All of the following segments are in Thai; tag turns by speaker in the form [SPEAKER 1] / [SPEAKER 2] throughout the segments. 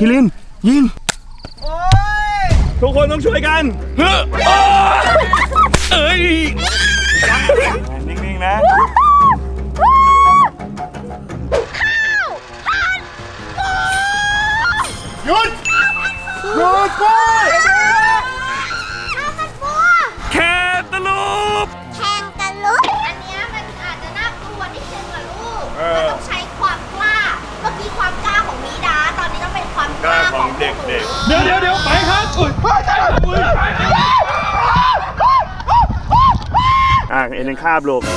[SPEAKER 1] คิรินยิงทุกคนต้องช่วยกันเอ้ยนิ่งๆนะหยุดหยุดไปแค่ตะลุบ
[SPEAKER 2] แข่งกันลุกอันนี้มันอาจจะน่ากลัวนิดนึงอะลูกมันต้องใช้ความกล้าเมื่อกี้ความกล้าของมีดาตอนนี้ต้องเป็นความกล้าของเด็ก
[SPEAKER 1] เดี๋ยวไปครับเอ็นคาบลูก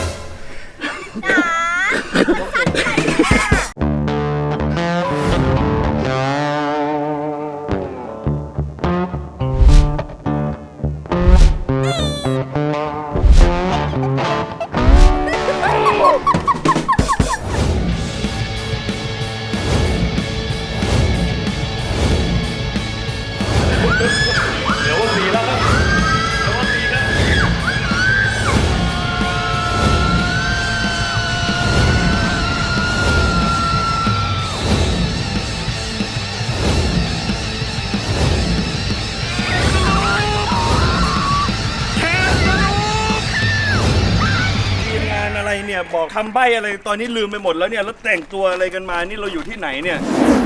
[SPEAKER 1] เนี่ยบอกคำใบ้อะไรตอนนี้ลืมไปหมดแล้วเนี่ยแล้วแต่งตัวอะไรกันมานี่เราอยู่ที่ไหนเนี่ย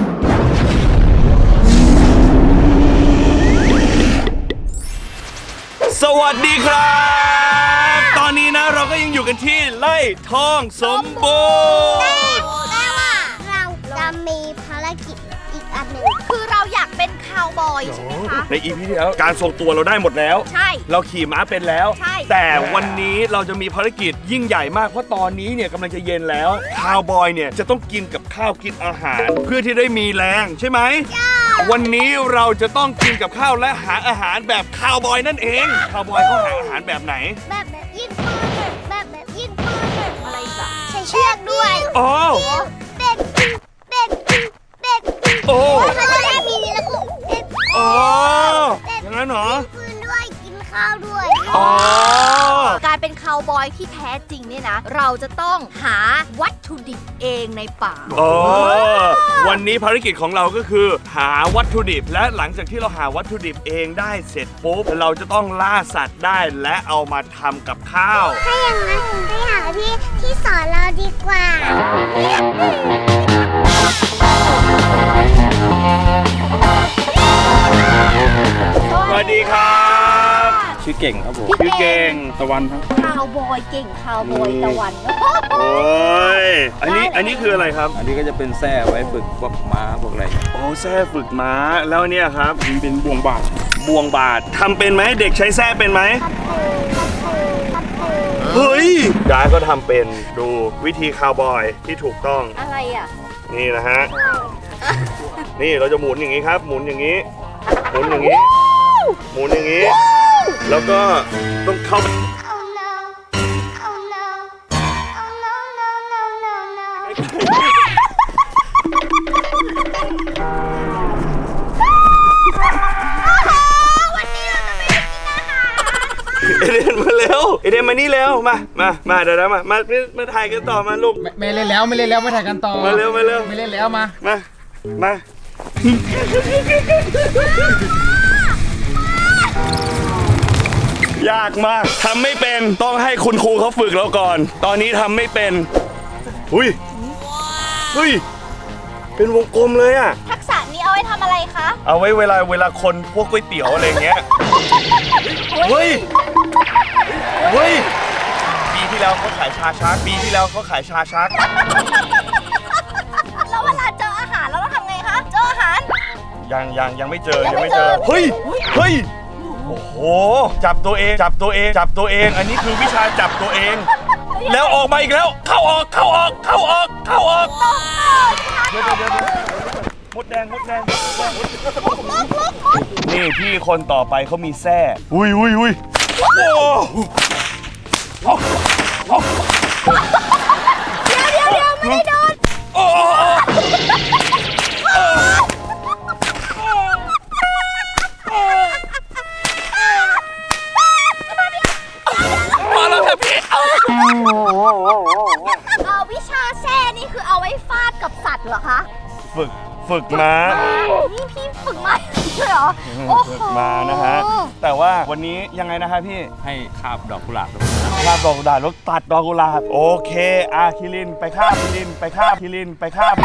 [SPEAKER 1] สวัสดีครับตอนนี้นะเราก็ยังอยู่กันที่ไร่ทองสมบูรณ์
[SPEAKER 2] แต่ว่าเราจะมีภารกิจอีกอันหนึ่งคือเราอยากเป็นคาวบอยใช่ไหมคะ
[SPEAKER 1] ใน EP ที่แล้วการทรงตัวเราได้หมดแล้ว
[SPEAKER 2] ใช่
[SPEAKER 1] เราขี่ม้าเป็นแล้วแต่วันนี้เราจะมีภารกิจยิ่งใหญ่มากเพราะตอนนี้เนี่ยกำลังจะเย็นแล้วคาวบอยเนี่ยจะต้องกินกับข้าวกินอาหารเพื่อที่ได้มีแรงใช่ไหมวันนี้เราจะต้องกินกับข้าวและหาอาหารแบบคาวบอยนั่นเองคาวบอยเขาหาอาหารแบบไหน
[SPEAKER 2] แบบยิงปืนแบบยิงปืนอะไรจ้ะใช้เชือกด้วย
[SPEAKER 1] โอ้
[SPEAKER 2] เป็ด
[SPEAKER 1] โอ้
[SPEAKER 2] เขาได้มีแล้วก็
[SPEAKER 1] โอ้อย่างนั้นเหรอ
[SPEAKER 2] ปืนด้วยกินข้าวด้วยการเป็นคาวบอยที่แท้จริงเนี่ยนะเราจะต้องหาวัตถุดิบเองในป่า
[SPEAKER 1] วันนี้ภารกิจของเราก็คือหาวัตถุดิบและหลังจากที่เราหาวัตถุดิบเองได้เสร็จปุ๊บเราจะต้องล่าสัตว์ได้และเอามาทำกับข้าว
[SPEAKER 2] ถ้าอย่างนั้นไปหาที่สอนเราดีกว่า
[SPEAKER 1] สวัสดีครับ
[SPEAKER 3] ชื่อเก่งครับผม
[SPEAKER 1] ชื่อเก่ง
[SPEAKER 3] ตะวันครับ
[SPEAKER 2] คาวบอยเก่งคาวบอยตะวัน
[SPEAKER 1] โอ้ยอันนี้คืออะไรครับ
[SPEAKER 3] อันนี้ก็จะเป็นแส้ไว้ฝึกพวกม้าพวกอะไร
[SPEAKER 1] โอ้แส้ฝึกม้าแล้วเนี่ยครับ
[SPEAKER 3] เป็นบ่วงบ
[SPEAKER 1] าดทำเป็นไหมเด็กใช้แส้เป็นไหมเฮ้ยดาก็ทำเป็นดูวิธีคาวบอยที่ถูกต้อง
[SPEAKER 2] อะไรอ่ะ
[SPEAKER 1] นี่นะฮะนี่เราจะหมุนอย่างนี้ครับหมุนอย่างนี้หมุนอย่างนี้หมุนอย่างนี้แล้วก็ต้องเข้าเอเดนมาเร็วเอเดนมานี่เร็วมาเดี๋ยวมาถ่ายกันต่อมาลูก
[SPEAKER 3] ไม่เล่นแล้วไม่ถ่ายกันต่อ
[SPEAKER 1] มาเร็วไม่
[SPEAKER 3] เล่นแล้ว
[SPEAKER 1] มา ยากมากทำไม่เป็นต้องให้คุณครูเขาฝึกเราก่อนตอนนี้ทำไม่เป็นเฮ้ยเป็นวงกลมเลยอะ
[SPEAKER 2] ทักษะนี้เอาไว้ทำอะไรคะ
[SPEAKER 1] เอาไว้เวลาคนพวกก๋วยเตี๋ยวอะไรเงี้ยเฮ้ยปีที่แล้วเขาขายชาชัก
[SPEAKER 2] แล้วเวลาเจออาหารเราต้องทำไงคะเจออาหาร
[SPEAKER 1] ยังไม่เจอเฮ้ยโอ้โหจับตัวเองอันนี้คือวิชาจับตัวเองแล้วออกมาอีกแล้วเข้าออกเดี๋ยวมดแดงนี่พี่คนต่อไปเขามีแส้อุ้ยโอ้
[SPEAKER 2] เดี๋ยวไม่ได้โดน
[SPEAKER 1] มาแล้วครับพี่
[SPEAKER 2] วิชาแช่นี่คือเอาไว้ฟาดกับสัตว์เหรอคะ
[SPEAKER 1] ฝึกมา
[SPEAKER 2] นี่พี่ฝึกมาเลยเหรอโอ้โห
[SPEAKER 1] ฝึกมานะฮะแต่ว่าวันนี้ยังไงนะฮะพี่
[SPEAKER 3] ให้คาบดอกกุหลาบ
[SPEAKER 1] คาบดอกกุหลาบแล้วตัดดอกกุหลาบโอเคคิรินไปคาบคิรินไปคาบคิรินไปคาบ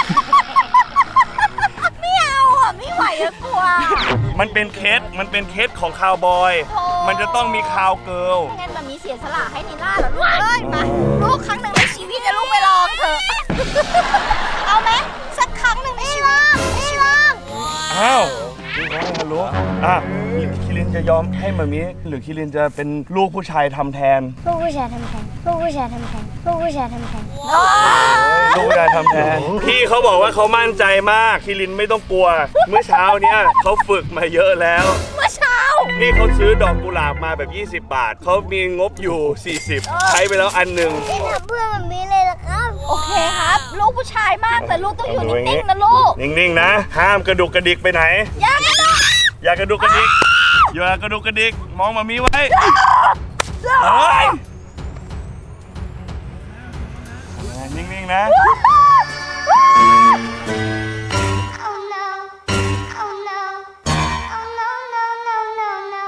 [SPEAKER 2] ไม่เอาอ่ะไม่ไหวอะกลัว
[SPEAKER 1] มันเป็นเคสของคาวบอย
[SPEAKER 2] โอ้
[SPEAKER 1] มันจะต้องมีคาวเกิร์ล
[SPEAKER 2] งั้นแบบนี้เสียสละให้นิล่าเหรอลูกเอ้ยมาลูกครั้งหนึ่งในชีวิตนะลูกไปลองเถอะ เอาไหมสักครั้งหนึ่งในชีวิตไม่ลอง
[SPEAKER 1] อ้าวพี่น้องฮัลโหลคิรินจะยอมให้มามิหรือคิรินจะเป็นลูกผู้ชายทำแทน
[SPEAKER 4] ลูกผู้ชายทำแทนลูกผู้ชายทำแทนลูกผู้ชายทำแทน
[SPEAKER 1] ลูกผู้ชายทำแทนพี่เขาบอกว่าเขามั่นใจมากคิรินไม่ต้องกลัว เมื่อเช้าเนี้ยเขาฝึกมาเยอะแล้ว
[SPEAKER 2] เมื่อเช้า
[SPEAKER 1] นี่เขาซื้อดอกกุหลาบมาแบบ 20 บาทเขามีงบอยู่ 40 ใช้ไปแล้วอันหนึ่ง
[SPEAKER 4] ไม่ทำเพื่อนแบบนี้เลยนะครับ
[SPEAKER 2] โอเคครับ ลูกผู้ชายมากแต่ลูกต้องอยู่นิ่งๆนะลูก
[SPEAKER 1] นิ่งๆนะ ห้ามกระดุกกระดิกไปไหน
[SPEAKER 2] อย่ากระโดด
[SPEAKER 1] อย่ากระดุกกระดิกอย่ากระดุกกระดิกมองมามีไว้เฮ้ยนิ่งๆนะ
[SPEAKER 4] Oh no Oh no Oh no no no no no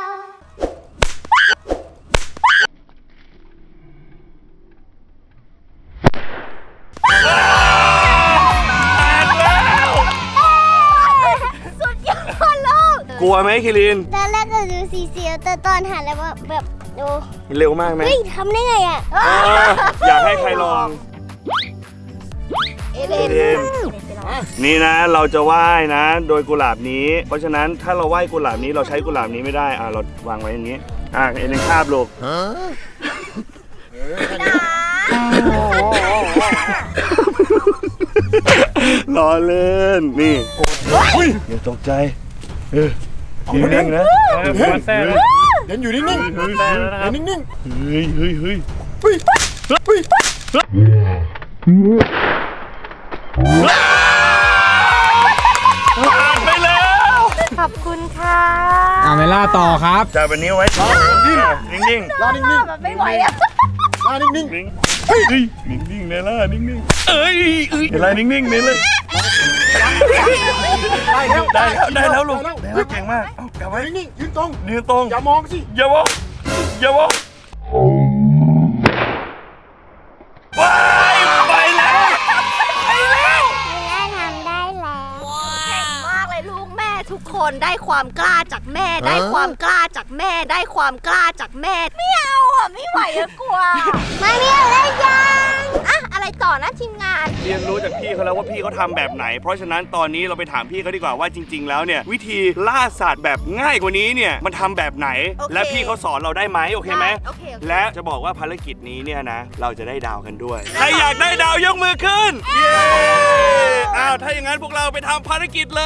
[SPEAKER 2] สุดยอดลูก
[SPEAKER 1] กลัวไหมคิริน
[SPEAKER 4] ตอนแรกก็ดูสีเสียวแต่ตอนหันแล้วแบบโอ้
[SPEAKER 1] เร็วมากไหม
[SPEAKER 4] เฮ้ยทำได้ไงอ่ะ
[SPEAKER 1] อยากให้ใครลอง
[SPEAKER 2] เอเลน
[SPEAKER 1] เอเลน นี่นะเราจะไหว้นะ โดยกุหลาบนี้ เพราะฉะนั้นถ้าเราไหว้กุหลาบนี้เราใช้กุหลาบนี้ไม่ได้เราวางไว้อย่างนี้เอ็นคาบลูกล้อเล่นนี่อย่าตกใจนิ่งๆนะ
[SPEAKER 3] แซ่แล้ว
[SPEAKER 5] เดี๋ยวอยู่นิ่งๆ
[SPEAKER 1] เฮ้ย
[SPEAKER 5] เดี๋ยวนิ่ง
[SPEAKER 1] เฮ้ยเฮ้ย
[SPEAKER 5] ๆเฮ้ยเฮ้ย
[SPEAKER 1] ผ่านไปแล้ว
[SPEAKER 2] ขอบคุณค่ะ
[SPEAKER 3] เมล่าต่อครับ
[SPEAKER 1] จับอันนี้ไว้นิ่ง
[SPEAKER 5] รอนิ่ง
[SPEAKER 2] มันไม่ไหวอ่ะ
[SPEAKER 5] ๆรอนิ่ง
[SPEAKER 1] ๆนิ่งเฮ้ยนิ่งๆเนล่านิ่งๆเอ้ยเนล่านิ่งๆเนล่า
[SPEAKER 5] ๆได้แล้ว
[SPEAKER 1] ได้แล้วลูกได้แล้วเก่งมากเอากลับไว้
[SPEAKER 5] นิ่งๆยืนตรง
[SPEAKER 1] ยืนตรง
[SPEAKER 5] อย่ามองสิ
[SPEAKER 1] อย่ามองว้ายไปแล้ว
[SPEAKER 4] ไม่น่าทำได้แล้ว
[SPEAKER 2] เก่งมากเลยลูกแม่ทุกคนได้ความกล้าจากแม่ ได้ความกล้าจากแม่ ได้ความกล้าจากแม่ ไม่เอาอ่ะไม่ไหวอะกลัว
[SPEAKER 4] มามีอะไรยัง
[SPEAKER 2] อะอะไรต่อนะทีมงาน
[SPEAKER 1] เรียนรู้จากพี่เขาแล้วว่าพี่เขาทำแบบไหน เพราะฉะนั้นตอนนี้เราไปถามพี่เขาดีกว่าว่าจริง ๆ แล้วเนี่ยวิธีล่าสัตว์แบบง่ายกว่านี้เนี่ยมันทำแบบไหน
[SPEAKER 2] โอเค
[SPEAKER 1] และพี่เขาสอนเราได้ไหมโอเคไหม
[SPEAKER 2] โอเค
[SPEAKER 1] และจะบอกว่าภารกิจนี้เนี่ยนะเราจะได้ดาวกันด้วยใครอยากได้ดาวยกมือขึ้นเย้ถ้าอย่างนั้นพวกเราไปทำภารกิจเลย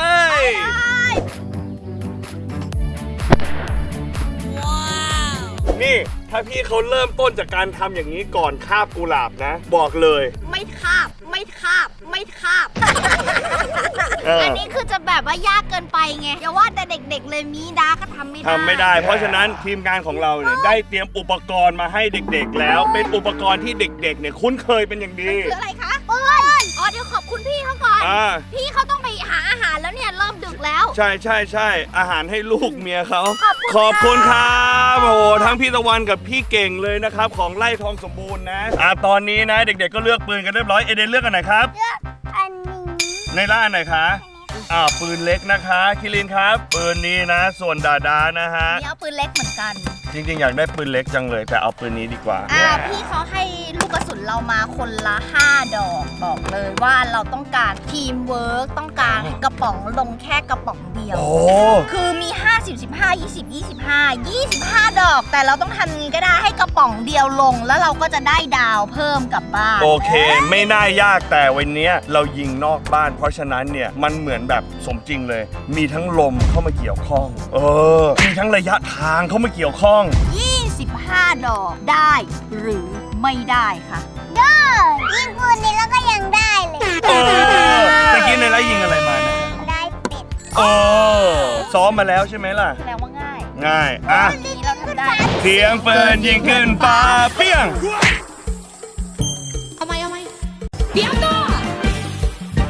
[SPEAKER 1] นี่ถ้าพี่เขาเริ่มต้นจากการทำอย่างนี้ก่อนคาบกุหลาบนะ บอกเลย
[SPEAKER 2] ไม่คาบ ไม่คาบ ไม่คาบ
[SPEAKER 1] เอออั
[SPEAKER 2] อันนี้คือจะแบบว่ายากเกินไปไงอย่าว่าแต่เด็กๆเลยมีดาก็ทำไม่ได้
[SPEAKER 1] ทำไม่ได้ เพราะฉะนั้นทีมงานของเราเนี่ยได้เตรียมอุปกรณ์มาให้เด็กๆ แล้วเป็นอุปกรณ์ที่เด็กๆเนี่ยคุ้นเคยเป็นอย่างดี
[SPEAKER 2] คืออะไรคะปืนอ๋อเดี๋ยวขอบคุณพี่เขาก่อน พี่เขาต้องไปหาอาหารแล้วเนี่ยเริ่มดึกแล้ว
[SPEAKER 1] ใช่อาหารให้ลูกเมียเขา
[SPEAKER 2] ขอบคุณ
[SPEAKER 1] ครับโอ้โหทั้งพี่ตะวันกับพี่เก่งเลยนะครับของไร่ทองสมบูรณ์นะตอนนี้นะเด็กๆก็เลือกปืนกันเรียบร้อยเอเดนเลือกอันไหนครับ
[SPEAKER 4] อันนี้
[SPEAKER 1] ในล่าอันไหนคะปืนเล็กนะคะคิรินครับปืนนี้นะส่วนดาดานะฮะ
[SPEAKER 2] นี่เอาปืนเล็กเหมือนกัน
[SPEAKER 1] จริงๆอยากได้ปืนเล็กจังเลยแต่เอาปืนนี้ดีกว่า
[SPEAKER 2] พี่เขาให้ลูกกระสุนเรามาคนละ5 ดอกบอกเลยว่าเราต้องการทีมเวิร์กต้องการกระป๋องลงแค่กระป๋องเดียว
[SPEAKER 1] โอ้
[SPEAKER 2] คือมี50 15 20 25 ดอก แต่เราต้องทำยังไงก็ได้ให้กระป๋องเดียวลง แล้วเราก็จะได้ดาวเพิ่มกลับบ้าน
[SPEAKER 1] โอเค ไม่น่ายากแต่วันนี้เรายิงนอกบ้าน เพราะฉะนั้นเนี่ยมันเหมือนแบบสมจริงเลย มีทั้งลมเข้ามาเกี่ยวข้องมีทั้งระยะทางเข้ามาเกี่ยวข้อง
[SPEAKER 2] 25 ดอกได้หรือไม่ได้คะ
[SPEAKER 4] ได้ยิงปืนนี้แล้วก็ยังได้เลย
[SPEAKER 1] ตะกี้ในไลฟ์ยิงอะไรมานะ
[SPEAKER 4] ได้เป็ด
[SPEAKER 1] ซ้อมมาแล้วใช่ไหมล่ะ
[SPEAKER 2] แสดงว่าง่าย
[SPEAKER 1] ง่าย
[SPEAKER 2] วันนี้เราทำได้
[SPEAKER 1] เสียงปืนยิงขึ้นฟ้าเปี้ยง
[SPEAKER 6] เอาไหมเดี๋ยวก่อน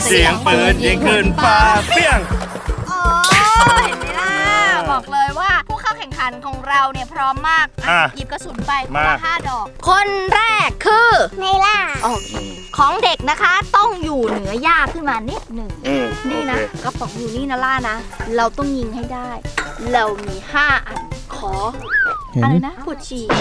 [SPEAKER 1] เสียงปืนยิงขึ้นฟ้าเปี้ยง
[SPEAKER 2] โอ้เห็นไหมล่ะบอกเลยว่าผู้เข้าแข่งขันของเราเนี่ยพร้อมมากหยิบกระสุนไปคนละ5 ดอก คนแรกคือไนล่าโอเคของเด็กนะคะต้องอยู่เหนือหญ้าขึ้นมานิดหนึ่งนี่นะกระป๋องอยู่นี่นะล่านะเราต้องยิงให้ได้ เรามี5 อันขออะไรนะปวดฉี่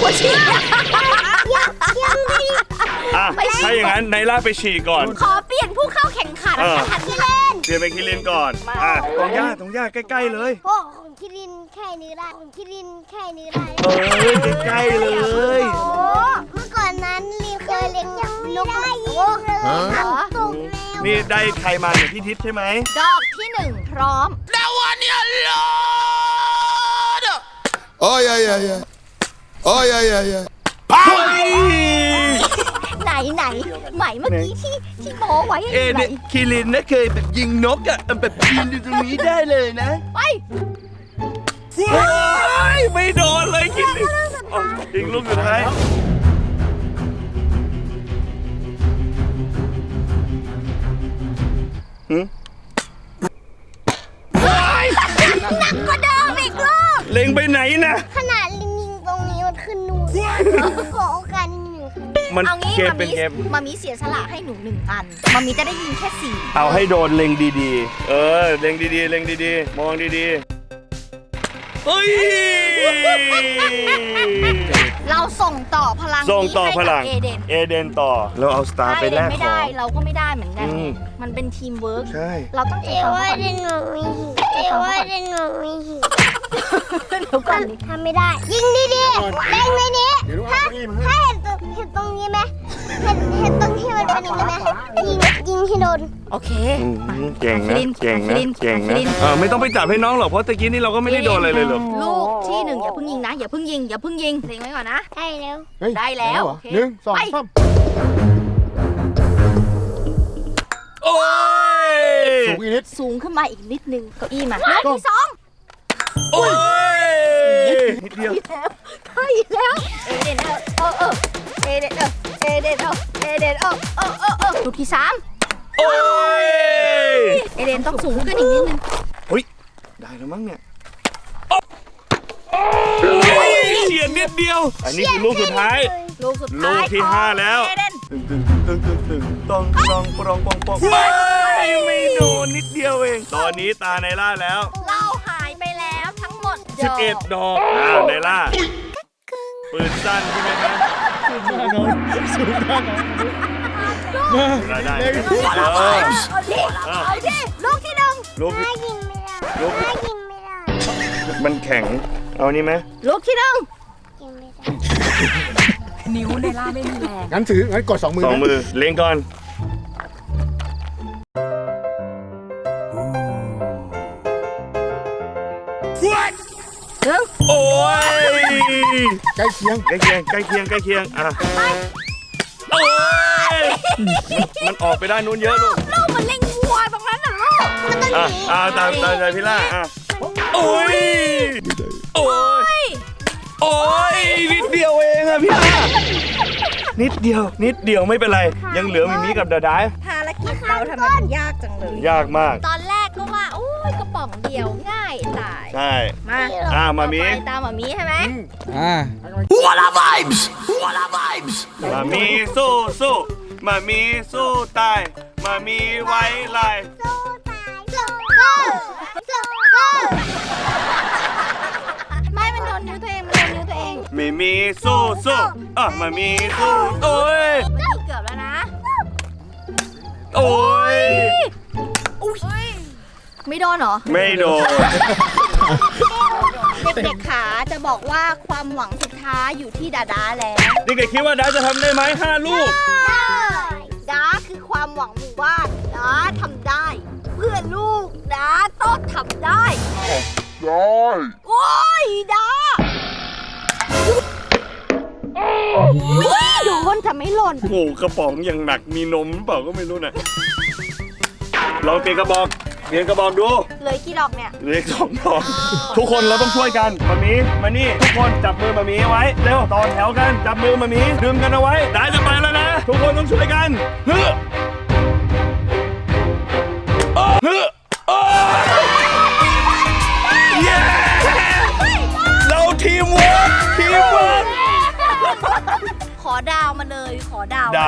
[SPEAKER 1] ไม่ถ้าอย่างนั้นไนล่าไปฉี่ก่อน
[SPEAKER 2] ขอเปลี่ยนผู้เข้าแข่งขันนะคะที่เล่น
[SPEAKER 1] เปลี่ยนไปคิรินก่อนตรงหญ้าใกล้ๆเลย
[SPEAKER 4] โอ้ของคิรินแค่นี้ได้ของคิรินแค่นี้ได้
[SPEAKER 1] ใกล้ๆเลย
[SPEAKER 4] เมื่อก่อนนั้นลินเคยเลี้ยงนกได้ยิงเลยส่งแล้ว
[SPEAKER 1] นี่ได้ใครมาเนี่ยพี่ทิศใช่ไหม
[SPEAKER 2] ดอกที่1พร้อมแล้ววันนี้
[SPEAKER 5] โอ้ยโอ้ย
[SPEAKER 2] ไหนไหมเมื่อกี้ที่โม้ไว้ไหน
[SPEAKER 1] คิรินนะเคยแบบยิงนกอ่ะแบบยิงอยู่ตรงนี้ได้เลยนะ
[SPEAKER 2] ไป
[SPEAKER 1] ไม่โดนเลยคิรินยิงลูกสุดท้าย
[SPEAKER 2] หนักกว่าเดิมอีกลูก
[SPEAKER 1] เล็งไปไหนนะ
[SPEAKER 4] ขนาดลิงยิงตรงนี้มันขึ้นนู่นขอโอกาสหนึ่ง
[SPEAKER 1] มันเกมเป็นเกม
[SPEAKER 2] มามีเสียสละให้หนู1 อันมามีจะได้ยิงแค่4
[SPEAKER 1] เอาให้โดนเล็งดีๆเล็งดีๆมองดีๆเฮ้ย
[SPEAKER 2] เราส่งต่อพลัง
[SPEAKER 1] เอเดนต่อเราเอาสตาร์ไปแลก
[SPEAKER 2] ไม่ได้เราก็ไม่ได้เหมือนกันมันเป็นทีมเวิร์ก
[SPEAKER 1] ใช่
[SPEAKER 2] เราต้อง
[SPEAKER 4] เอว่าเดนหนูมีหิเดี๋ยวก่อนทำไม่ได้ยิงดีๆเล็งไปนี้ถ้าเห็นตรงนี้ไหมเห็นตรงที่มันเป็นอย่างนี้ไหมยิงให้โดน
[SPEAKER 2] โอเค
[SPEAKER 1] เก่งนะไม่ต้องไปจับให้น้องหรอกเพราะตะกี้นี่เราก็ไม่ได้โดนอะไรเลยหรอก
[SPEAKER 2] ลูกที่1อย่าเพิ่งยิงนะอย่าเพิ่งยิงเล็งไว้ก่อนนะ
[SPEAKER 4] ได้แล้ว
[SPEAKER 2] 1 2 3
[SPEAKER 1] โอ้ย
[SPEAKER 2] สูงขึ้นมาอีกนิดนึงเก้าอี้มาลูกที่2
[SPEAKER 1] โอ้ยนิดเดียว
[SPEAKER 2] ใช่แล้วเอเดนลูกที่3
[SPEAKER 1] โอ้ย
[SPEAKER 2] เอเดนต้องสูงขึ้นอีกนิดนึง
[SPEAKER 1] เฮ้ยได้แล้วมั้งเนี่ยเฉียดนิดเดียวอันนี้คือลูกสุดท้ายลูกที่5แล้วต้องไม่โดนนิดเดียวเองตอนนี้ตาไนล่าแล้ว
[SPEAKER 2] เราหายไปแล้วทั้งหมด
[SPEAKER 1] 11 ดอกไนล่าปืนสั้นใช่ไหมครับได้
[SPEAKER 2] เอาดิลูกที่1
[SPEAKER 1] ลูก
[SPEAKER 4] ยิงไม่ได้
[SPEAKER 1] มันแข็งเอานี่ไหม
[SPEAKER 2] ลูกที่1
[SPEAKER 4] ยิงไม่ได้
[SPEAKER 2] นิ้วไนล่าไม่มีแรง
[SPEAKER 5] งั้นกด2 มือ
[SPEAKER 1] เล็งก่อนโอ้ย
[SPEAKER 5] ใกล้เคียง
[SPEAKER 1] อ่ะโอ้ยมันออกไปได้นู้นเยอะลูก
[SPEAKER 2] มันเล็งวัวตรงนั้นน่ะลูก
[SPEAKER 1] ตามใจพี่ล่าโอ้ยนิดเดียวเองอะพี่ล่านิดเดียวไม่เป็นไรยังเหลือมิมิกับดาดา
[SPEAKER 2] ภารกิจเราทำไมมันยากจังเลย
[SPEAKER 1] ยากมาก
[SPEAKER 2] ตอนแรกก็ว่าโอ้ยกระป๋องเดียวง่ายตาย
[SPEAKER 1] ใช่
[SPEAKER 2] มามีตามมามีใช่ไหม
[SPEAKER 1] วัวลาไวส์มามีสู้มามีสู้ตายมามีไว้ลาย
[SPEAKER 2] ไม่มันโดนนิ้วตัวเอง
[SPEAKER 1] มีสู้มามีสู้โอ้ย
[SPEAKER 2] เกือบแล้วนะ
[SPEAKER 1] โอ้ย
[SPEAKER 2] ไม่โดนเหรอ
[SPEAKER 1] ไม่โดน
[SPEAKER 2] เด็กๆขาจะบอกว่าความหวังสุดท้ายอยู่ที่ดาแล้ว
[SPEAKER 1] เด็กๆคิดว่าดาจะทำได้ไหม5 ลูก
[SPEAKER 2] ดาคือความหวังหมู่บ้านดาทำได้เพื่อลูกดาต้องทำได้โอ้ยดาโดนทำไม่หล่น
[SPEAKER 1] โอ้กระป๋องอย่างหนักมีนมเปล่าก็ไม่รู้นะลองเปลี่ยนกระบอกดู
[SPEAKER 2] เลยกี่ดอกเนี่ย
[SPEAKER 1] เลย2 ดอกทุกคนเราต้องช่วยกันมานี่ทุกคนจับมือมามีไว้เร็วต่อแถวกันจับมือมามีดึงกันเอาไว้ได้จะไปแล้วนะทุกคนต้องช่วยกัน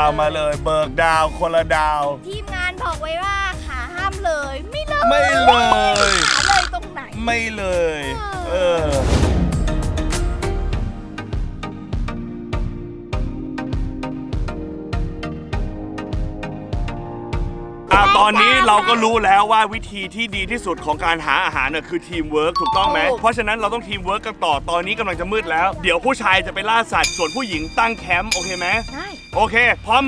[SPEAKER 1] าวมาเลย เบิกดาวคนละดาว
[SPEAKER 2] ทีมงานบอกไว้ว่าขาห้ามเลย ไม่เลย
[SPEAKER 1] ไม่เลย
[SPEAKER 2] ขาเลยตรงไหน
[SPEAKER 1] ไม่เลย ตอนนี้เราก็รู้แล้วว่าวิธีที่ดีที่สุดของการหาอาหารน่ะคือทีมเวิร์กถูกต้องไหม เพราะฉะนั้นเราต้องทีมเวิร์กกันต่อ ตอนนี้กำลังจะมืดแล้ว เดี๋ยวผู้ชายจะไปล่าสัตว์ ส่วนผู้หญิงตั้งแคมป์โอเคไหม
[SPEAKER 2] ได้
[SPEAKER 1] โอเค พร้อมไหม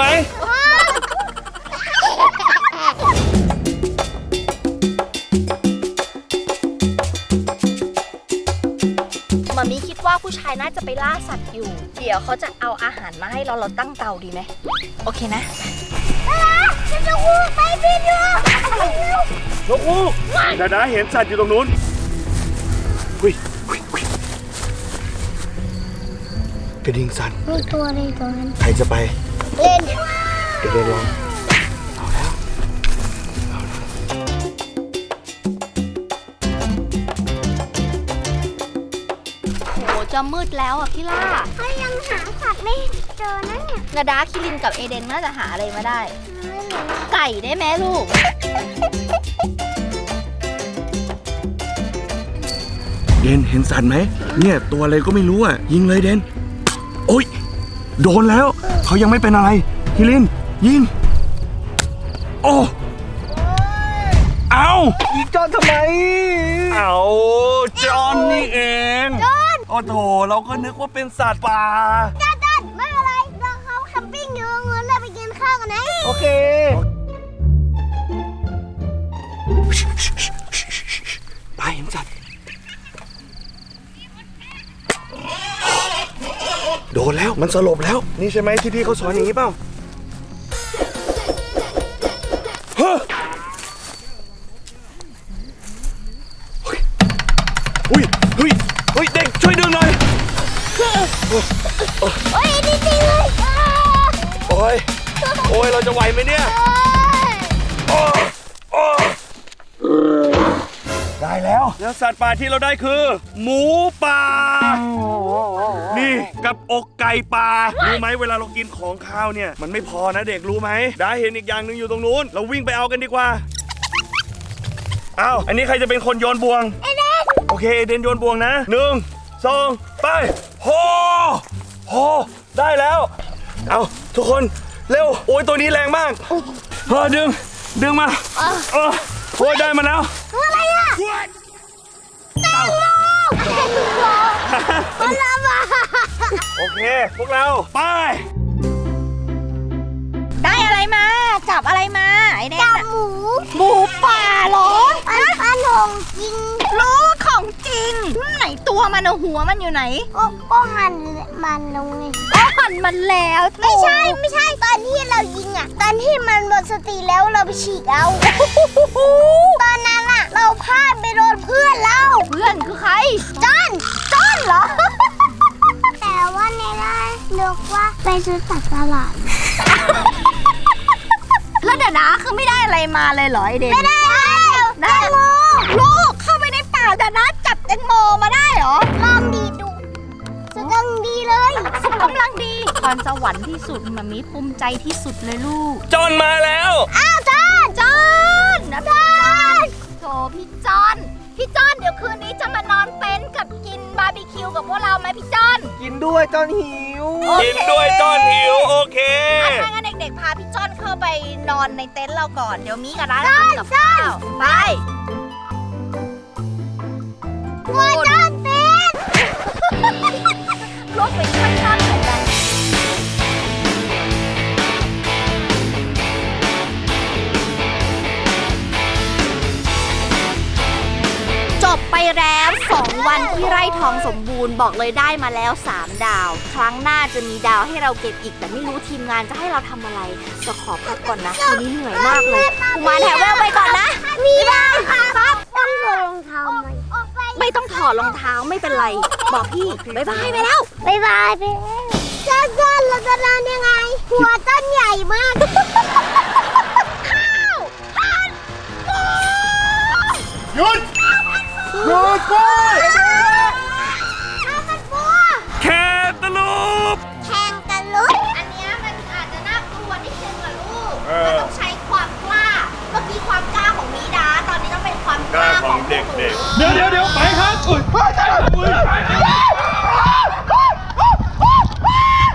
[SPEAKER 2] มามีคิดว่าผู้ชายน่าจะไปล่าสัตว์อยู่ เดี๋ยวเขาจะเอาอาหารมาให้เราตั้งเตาดีไหม โอเคนะ
[SPEAKER 4] จะวูไปบินอยู่
[SPEAKER 1] นกฮูกดาดาเห็นสัตว์อยู่ตรงนู้นหุยกระดิ่งสั่น
[SPEAKER 4] มีตัวอะไรตัวนั้น
[SPEAKER 1] ใครจะไป
[SPEAKER 4] เล่น
[SPEAKER 1] เดี๋ยวลองเอาแล้ว
[SPEAKER 2] โหจะมืดแล้วอ่ะพี่ล่า
[SPEAKER 4] เขายังหาสัตว์ไม่เจอนะเนี่ย
[SPEAKER 2] นาดาคิรินกับเอเดนน่าจะหาอะไรมาได้ ไก่ได้ไหมลูก
[SPEAKER 1] เดนเห็นสัตว์ไหมเนี่ยตัวอะไรก็ไม่รู้อ่ะยิงเลยเดนโอ๊ยโดนแล้วเขายังไม่เป็นอะไรคิรินยิงโอ้เอายิงจอนทำไมเอาจอนนี่เองจอนโอ้โถเราก็นึกว่าเป็นสัตว์ป่า
[SPEAKER 4] จัดไม่อะไรเราเขาแคมปิ้งอยู่เงินเลยไปกินข้าวกันนะ
[SPEAKER 1] โอเคไปเห็นสัตว์โดนแล้วมันสลบแล้วนี่ใช่ไหมที่พี่เขาสอนอย่างนี้เปล่าเฮ้ยเด็กช่วยดึงหน่อย
[SPEAKER 4] โอ้ยจริงๆเลย
[SPEAKER 1] โอ้ยเราจะไหวไหมเนี่ยได้แล้วสัตว์ป่าที่เราได้คือ หมูป่านี่กับอกไก่ป่ารู้ไหมเวลาเรากินของข้าวเนี่ยมันไม่พอนะเด็กรู้ไหมได้เห็นอีกอย่างหนึ่งอยู่ตรงนู้นเราวิ่งไปเอากันดีกว่าอ้าวอันนี้ใครจะเป็นคนโยนบ่วงโอเคเอเดนโยนบ่วงนะ1 2ไปโหได้แล้วเอาทุกคนเร็วโอ้ยตัวนี้แรงมากดึงมาโอ้ยได้มาแล้ว
[SPEAKER 4] ตัวอะไรอ่ะแตงโมมันละมา
[SPEAKER 1] โอเคพวกเราไป
[SPEAKER 2] ได้อะไรมา จับอะไรมาไอเดน
[SPEAKER 4] จับ
[SPEAKER 2] อะ
[SPEAKER 4] หมู
[SPEAKER 2] ป่าเหรอ
[SPEAKER 4] อันหงจริง
[SPEAKER 2] รู้ของจริงไหนตัวมันอะหัวมันอยู่ไหน
[SPEAKER 4] ก็หั่นมันลงไง
[SPEAKER 2] อ๋อหั่นมันแล้ว
[SPEAKER 4] ไม่ใช่ตอนที่เรายิงอ่ะตอนที่มันหมดสติแล้วเราไปฉีกเอาตอนนั้นอ่ะเราพลาดไปโดนเพื่อนเรา
[SPEAKER 2] เพื่อนคือใคร
[SPEAKER 4] จอนเหรอ แต่ว่าในร้านเลือกว่าไปซื้อจากตลาด
[SPEAKER 2] แล้วเดี๋ยวนะคือไม่ได้อะไรมาเลยเหรอไอเดน
[SPEAKER 4] ไม่ได้แตงโม
[SPEAKER 2] ลูกเข้าไปในป่าเดี๋ยวนะจับแตงโมมาได้เหรอ
[SPEAKER 4] ลองดีดูสุดกำลังดีเลย
[SPEAKER 2] สุขกำลังดีพรสวรรค์ที่สุดมามีภูมิใจที่สุดเลยลูก
[SPEAKER 1] จอนมาแล้ว
[SPEAKER 4] อ้าวจอน
[SPEAKER 2] นะพี่จอนโถพี่จอนเดี๋ยวคืนนี้จะมานอนเต็นท์กับกินบาร์บีคิวกับพวกเราไหมพี่จอน
[SPEAKER 3] กินด้วยจอนหิว
[SPEAKER 1] กินด้วยจอนหิวโอเค
[SPEAKER 2] ถ้างั้นเด็กๆพาพี่จอนเข้าไปนอนในเต็นท์เราก่อนเดี๋ยวมีกับร้านทำกับข้าวไป
[SPEAKER 4] หัวจอนเป็น
[SPEAKER 2] รถไปช่วยจอนหน่อยกันจบไปแล้ว2 วันที่ไร่ทองสมบูรณ์บอกเลยได้มาแล้ว3 ดาว ครั้งหน้าจะมีดาวให้เราเก็บอีกแต่ไม่รู้ทีมงานจะให้เราทำอะไรจะขอพักก่อนนะวันนี้เหนื่อยมากเลยกุมารแถวแววไปก่อนนะมีดาวครับ
[SPEAKER 4] ต้องใส่รองเท้าไหม
[SPEAKER 2] ไม่ต้องถอดรองเท้าไม่เป็นไร บอกพี่บ๊ายบายไปแล้ว
[SPEAKER 4] บ๊ายบายไปจอนเราจะนอนยังไง หัวต้นใหญ่มาก
[SPEAKER 5] หยุดไป
[SPEAKER 1] แคตาลูป
[SPEAKER 4] แทงกันลุก
[SPEAKER 2] อันเนี้ยมันอาจจะน่ากลัว
[SPEAKER 1] เด็กๆเดี๋ยวไปครับอุ้ย